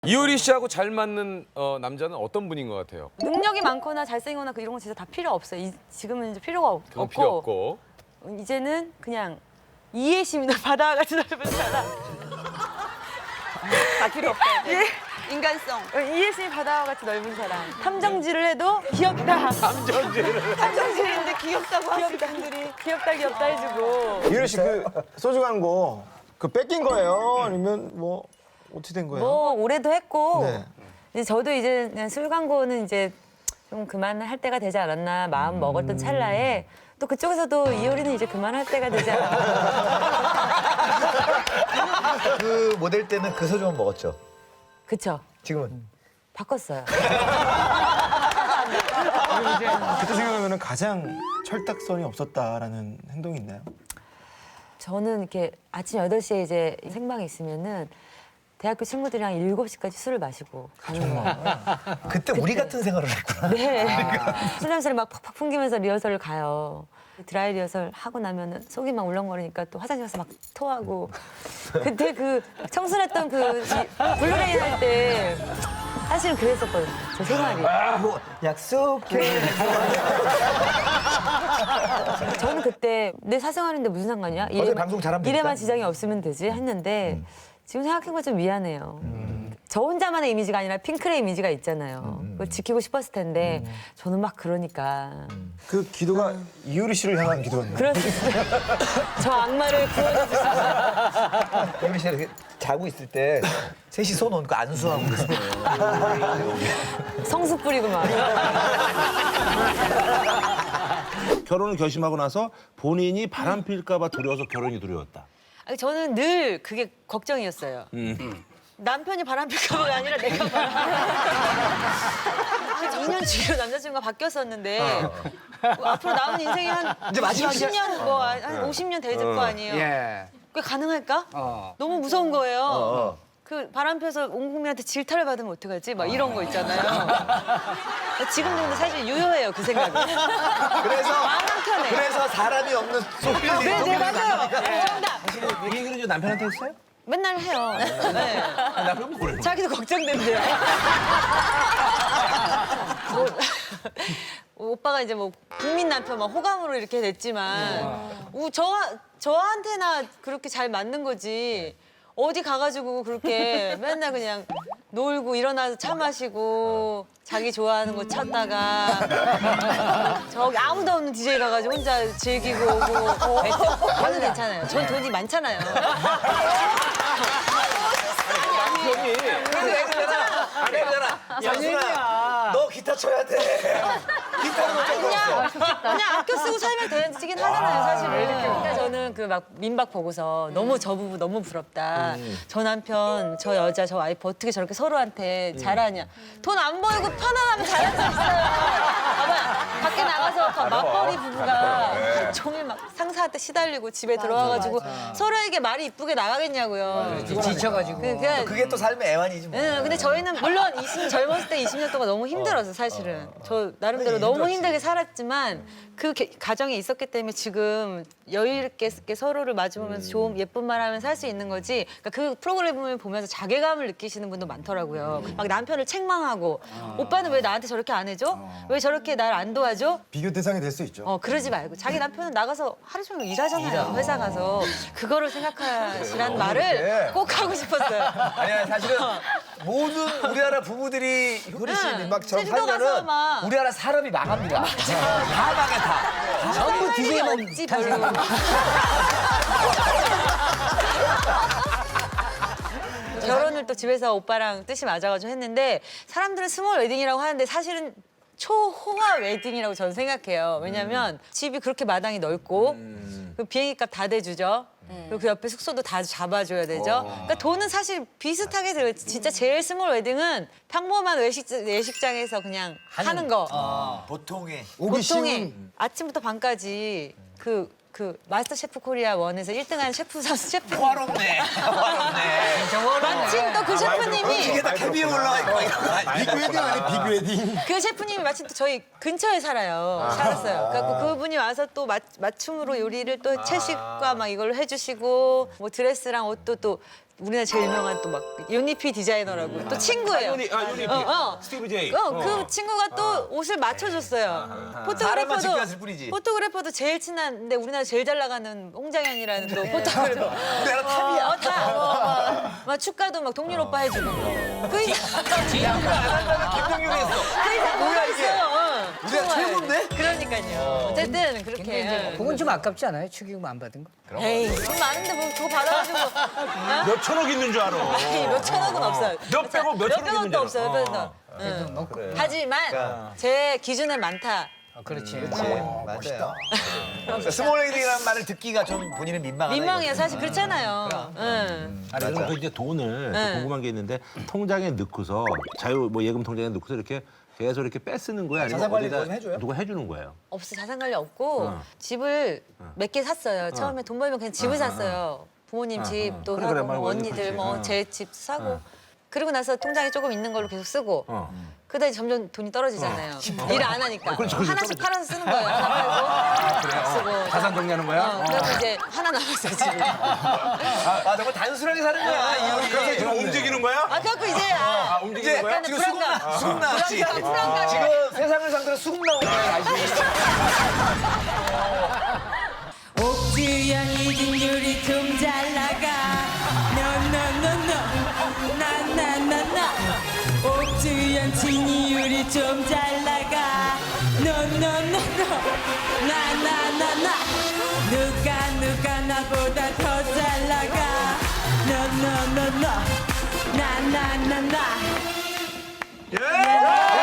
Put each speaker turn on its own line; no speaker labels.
이효리 씨하고 잘 맞는 남자는 어떤 분인 것 같아요?
능력이 많거나 잘생기거나 이런 건 진짜 다 필요 없어요. 지금은 이제 필요가
그건
없고
필요 없고.
이제는 그냥 이해심이 바다와 같이 넓은 사람. 다 필요 없다. 이제.
인간성.
이해심이 바다와 같이 넓은 사람. 탐정질을 해도 귀엽다. 탐정질인데 귀엽다고 하시는 분들이 귀엽다 해주고.
이효리 씨 그 소주 광고 그 뺏긴 거예요? 아니면 뭐 어떻게 된 거예요?
뭐 올해도 했고
네.
이제 저도 이제 그냥 술 광고는 이제 좀 그만할 때가 되지 않았나 마음 먹었던 찰나에 또 그쪽에서도 이효리는 이제 그만할 때가 되지 않았나.
그 모델 때는 그 소주만 먹었죠.
그쵸?
지금은
바꿨어요.
그때 생각하면 가장 철딱선이 없었다라는 행동이 있나요?
저는 이렇게 아침 8시에 이제 생방이 있으면은 대학교 친구들이랑 7시까지 술을 마시고 가는 거예요.
그때 우리 같은 생활을 했구나.
네. 술 냄새를 막 팍팍 풍기면서 리허설을 가요. 드라이 리허설 하고 나면은 속이 막 울렁거리니까 또 화장실 가서 막 토하고. 그때 그 청순했던 그 블루레인 할 때 사실은 그랬었거든요. 제 생활이.
뭐 약속해.
저는 그때 내 사생활인데 무슨 상관이야?
방송 잘하면 되니까.
일에만 지장이 없으면 되지 했는데 지금 생각해보면 좀 미안해요. 저 혼자만의 이미지가 아니라 핑클의 이미지가 있잖아요. 그걸 지키고 싶었을 텐데 저는 막 그러니까.
그 기도가 이효리 씨를 향한 기도였나요?
그럴 수 있어요. 저 악마를 구원해주시고.
유미 씨가 이렇게 자고 있을 때 셋이 손 얹고 안수하고 있어요.
성수 뿌리고 막.
결혼을 결심하고 나서 본인이 바람 필까봐 두려워서 결혼이 두려웠다.
아니, 저는 늘 그게 걱정이었어요. 남편이 바람 필까봐가 아니라 내가 바람. 한 2년 뒤로 남자친구가 바뀌었었는데 뭐 앞으로 남은 인생이 한
이제 마지막이야.
20년 뭐 한 50년 돼야 될 거 아니에요.
예.
그게 가능할까? 너무 무서운 거예요. 그 바람 펴서 온 국민한테 질타를 받으면 어떡하지? 막 이런 거 있잖아요. 지금도 근데 사실 유효해요, 그 생각이.
그래서
마음 한켠에.
그래서 사람이 없는 소리를
네, 맞아요. 정답.
얘기를 좀 남편한테 했어요?
맨날 해요. 네.
남편 뭐래?
자기도 걱정된대요. 오빠가 이제 뭐 국민 남편 막 호감으로 이렇게 됐지만 저한테나 그렇게 잘 맞는 거지. 어디 가가지고 그렇게 맨날 그냥 놀고 일어나서 차 마시고 자기 좋아하는 거 찾다가 저기 아무도 없는 DJ 가가지고 혼자 즐기고 오고 저는 괜찮아요. 전 돈이 많잖아요.
남편이 그래서 얘기잖아. 장순아, 너 기타 쳐야 돼. 기타는 못 쳐서.
그냥 아껴 쓰고 살면 되긴 하잖아요, 사실은. 그러니까 저는 그 막 민박 보고서 너무 저 부부 너무 부럽다. 저 남편, 저 여자, 저 와이프 어떻게 저렇게 서로한테 잘하냐. 돈 안 벌고 편안하면 잘할 수 있어요. 봐봐, 밖에 나가서 그 맞벌이 부부가 하루 종일 막 상사한테 시달리고 집에 들어와가지고 서로에게 말이 이쁘게 나가겠냐고요.
지쳐가지고.
그게 또 삶의 애환이지 뭐.
네, 근데 저희는 물론 젊었을 때 20년 동안 너무 힘들었어요, 사실은. 저 나름대로 너무 힘들게 살았지만 그 가정이 있었기 때문에 지금 여유 있게 서로를 마주보면서 좋은 예쁜 말하면서 살 수 있는 거지. 그러니까 그 프로그램을 보면서 자괴감을 느끼시는 분도 많더라고요. 막 남편을 책망하고 오빠는 왜 나한테 저렇게 안 해줘? 왜 저렇게 날 안 도와줘?
비교 대상이 될 수 있죠.
그러지 말고 자기 남편은 나가서 하루 종일 일하잖아요. 회사 가서 그거를 생각하시라는 말을 꼭 하고 싶었어요.
아니야 사실은 모든 우리나라 부부들이 효리 씨
응.
민박처럼
제주도 가서
살면은
막.
우리나라 사람이 망합니다. 다 망해 다.
전부 DJ만 없지 별로. 결혼을 또 집에서 오빠랑 뜻이 맞아가지고 했는데 사람들은 스몰 웨딩이라고 하는데 사실은 초호화 웨딩이라고 저는 생각해요. 왜냐면 집이 그렇게 마당이 넓고 그 비행기값 다 대주죠. 그리고 그 옆에 숙소도 다 잡아줘야 되죠. 그러니까 돈은 사실 비슷하게 들어요. 진짜 제일 스몰 웨딩은 평범한 외식장에서 그냥 하는 거.
보통의
보통에 아침부터 밤까지 그 마스터 셰프 코리아 1에서 1등한 셰프 선수 셰프
화롭네. 화롭네.
마침 또 그 셰프님이
이게 다 캐비어 올라가 있고 이런 거 아니야?
비교 웨딩 아니에요? 비교 웨딩.
그 셰프님이 마침 또 저희 근처에 살았어요. 그래서 그분이 와서 또 맞춤으로 요리를 또 채식과 막 이걸 해주시고 뭐 드레스랑 옷도 또 우리나라 제일 유명한 또 막 유니피 디자이너라고 또 친구예요.
유니피.
어.
스티브 제이.
그 친구가 또 옷을 맞춰줬어요.
사람만 지켜놨을 뿐이지.
포토그래퍼도 제일 친한데 우리나라 제일 잘 나가는 홍장현이라는 또 포토그래퍼.
우리나라 탑이야.
막 축가도 막 동률 오빠 해주고. 그 이상
김동률이 했어.
그 이상 뭐가 있어요.
우리가
정말.
최고인데?
그러니까요. 어쨌든 그렇게.
그건 좀 아깝지 않아요? 축의금 안 받은 거?
에이 돈 많은데 뭐 그거 받아가지고 어?
몇 천억 있는 줄 알아.
아니, 몇 천억은 없어요.
몇 백억, 몇 천억 있는 줄
백억도
알아.
없어요. 그래서.
그래도 뭐
하지만 제 기준은 많다.
그렇지.
멋있다. 스몰 웨딩이라는 말을 듣기가 좀 본인은 민망하다.
민망해요. 사실 그렇잖아요. 응.
아니 그럼 그 이제 돈을
네.
또 궁금한 게 있는데 통장에 넣고서 자유 뭐 예금 통장에 넣고서 이렇게 계속 이렇게 빼 쓰는 거야? 아니면
자산 관리
어디다
좀 해줘요?
누가 해주는 거예요?
없어 자산 관리 없고 집을 몇 개 샀어요. 처음에 돈 벌면 그냥 집을 샀어요. 부모님 집도
그래,
사고
그래,
뭐
말
언니들
그렇지.
뭐 제 집 사고 그리고 나서 통장에 조금 있는 걸로 계속 쓰고 그러다 이제 점점 돈이 떨어지잖아요. 일을 안 하니까 하나씩 팔아서 쓰는 거예요. 하나 팔고 쓰고
자산 정리하는 거야?
그래서 이제 하나 남았어요 집이.
아 정말 단순하게 사는 거야. 이효리.
지금 움직이는 거야?
그래갖고 이제
움직이는 거야?
약간의
지금 수금 나왔지.
불안감.
지금 세상을 상대로 수금 나온 거야 다시.
옥주현 이진율이 좀 잘 나가 노노노노 나나나나 옥주현 진이율이 좀 잘 나가 노노노노 나나나나 누가 나보다 더 잘 나가 노노노노 나나나나